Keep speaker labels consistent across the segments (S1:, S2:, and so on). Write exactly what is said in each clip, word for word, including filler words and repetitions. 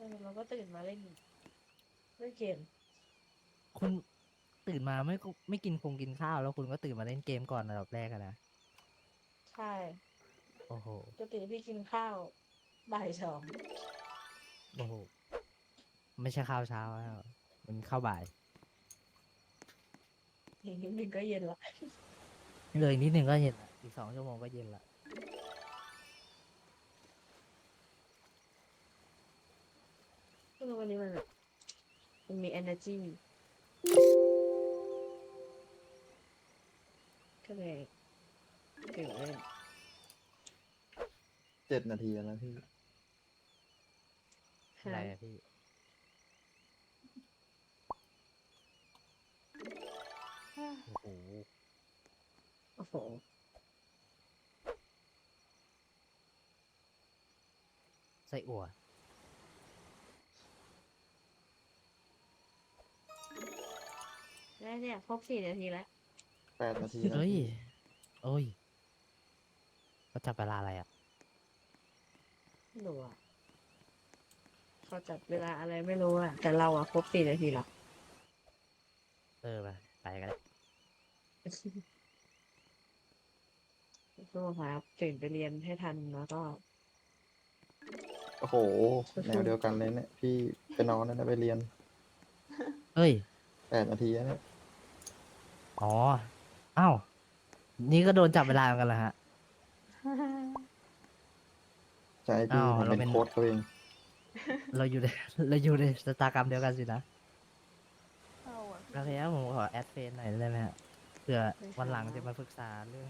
S1: อเราก็ตื่นมาเล่นเล่นเกม
S2: คุณตื่นมาไม่ก็ไม่กินคงกินข้าวแล้วคุณก็ตื่นมาเล่นเกมก่อนอันดับแรกอะนะ
S1: ใช่
S2: โอ้โห
S1: ปกติพี่กินข้าวบ่ายสอง
S2: โอ้โหไม่ใช่ข้าวเช้าแล้วมันข้าวบ่าย
S1: อีกนิดนึงก็เย็นละ
S2: เลยนิดนึงก็เย็นละอีกสองชั่วโมงก็เย็นละ
S1: คือวันนี้มันแบบมันมี energy ก็เลยตื่นเล่น
S3: เจ็ดนาทีแล้วนะพี่
S2: อะไร
S1: ฮะ
S2: อะพี่โอ้โห
S1: โอ้โห
S2: ไส้อั่ว
S1: แล้วเนี่ยครบสี่นาทีแล้ว
S3: แปดนาทีแล้ว
S2: เฮ้ย
S3: พี่
S2: โอ้ยเขาจับเวลาอะไรอ่ะ
S1: ไม่รู้อ่ะเขาจัดเวลาอะไรไม่รู้อ่ะแต่เราอ่ะครบสี่นาทีแล้ว
S2: เออไปไปกันเลย
S1: สู้ครับตื่นไปเรียนให้ทันแล้วก็
S3: โอ้โหแน
S1: สู้
S3: วเดียวกันเลยเนี่ยพี่ไปนอนแล้วนะไปเรียน
S2: เฮ้ย
S3: แปดนาทีแล้วเนี่ย
S2: อ๋ออ้าวนี่ก็โดนจับเวลาเหมือนกันเหรอฮะ
S3: ใช่
S2: อ้า
S3: พี่ผมเป็น
S2: วเราเป็น
S3: โค้ชเขาเอง
S2: เราอยู่ในเราอยู่ในสตากรรมเดียวกันสินะ
S4: เข้าอ่ะ
S2: แล้ว
S4: พี่
S2: แล้วผมขอแอดเฟซหน่อยได้ไหมฮะเผื่อ
S1: เลย
S2: วันหลังจะ
S1: ค่ะ
S2: มาปรึกษาเรื่อง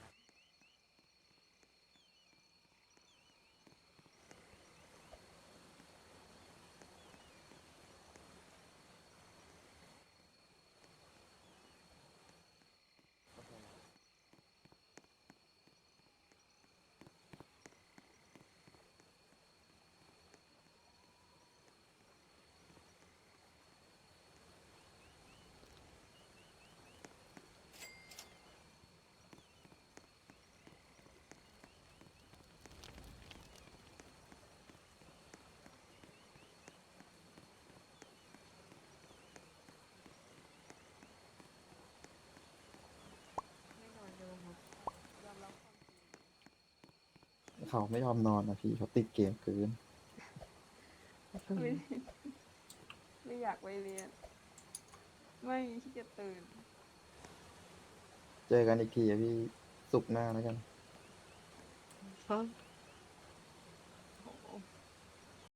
S1: ไม่นอนดูครับ
S4: ยอมรับความจริง
S3: เขาไม่ยอมนอนนะพี่เขาติดเกมเกิน
S4: ไม่ไม่อยากไปเรียน ไม่ขี้เกียจตื่น
S3: เจอกันอีกทีอะพี่ศุกร์หน้าแล้วกัน
S1: เพราะ